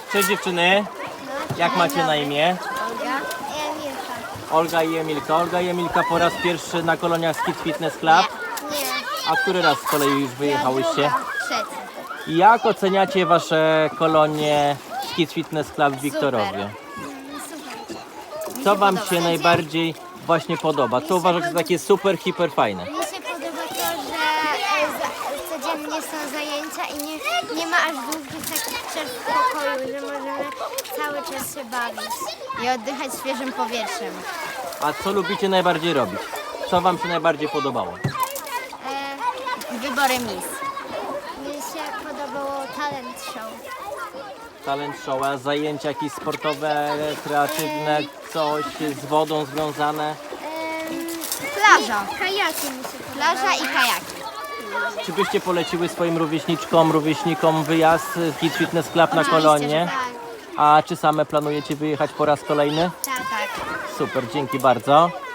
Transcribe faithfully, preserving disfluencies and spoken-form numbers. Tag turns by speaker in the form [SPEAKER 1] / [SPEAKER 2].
[SPEAKER 1] Cześć dziewczyny, jak macie na imię?
[SPEAKER 2] Olga i Emilka.
[SPEAKER 1] Olga i Emilka. Olga i Emilka po raz pierwszy na koloniach z Kids Fitness Club.
[SPEAKER 2] Nie.
[SPEAKER 1] A który raz z kolei już wyjechałyście?
[SPEAKER 2] Druga, trzecia.
[SPEAKER 1] Jak oceniacie wasze kolonie z Kids Fitness Club w Wiktorowie?
[SPEAKER 2] Super.
[SPEAKER 1] Co wam
[SPEAKER 2] podoba.
[SPEAKER 1] się najbardziej właśnie podoba? Co uważacie za takie super, hiper fajne?
[SPEAKER 2] Mi się podoba to, że e, za, codziennie są zajęcia i nie, nie ma aż długich takich przerw w pokoju, że możemy cały czas się bawić i oddychać świeżym powietrzem.
[SPEAKER 1] A co lubicie najbardziej robić? Co wam się najbardziej podobało?
[SPEAKER 2] E, wybory mis. Mi się podobało talent show.
[SPEAKER 1] Talent show, a zajęcia jakieś sportowe, kreatywne, coś z wodą związane?
[SPEAKER 2] Plaża. Kajaki mi się Plaża i kajaki.
[SPEAKER 1] Czy byście poleciły swoim rówieśniczkom, rówieśnikom wyjazd w Kids Fitness Club na
[SPEAKER 2] Oczywiście,
[SPEAKER 1] kolonie?
[SPEAKER 2] że tak.
[SPEAKER 1] A czy same planujecie wyjechać po raz kolejny?
[SPEAKER 2] Tak, tak.
[SPEAKER 1] Super, dzięki bardzo.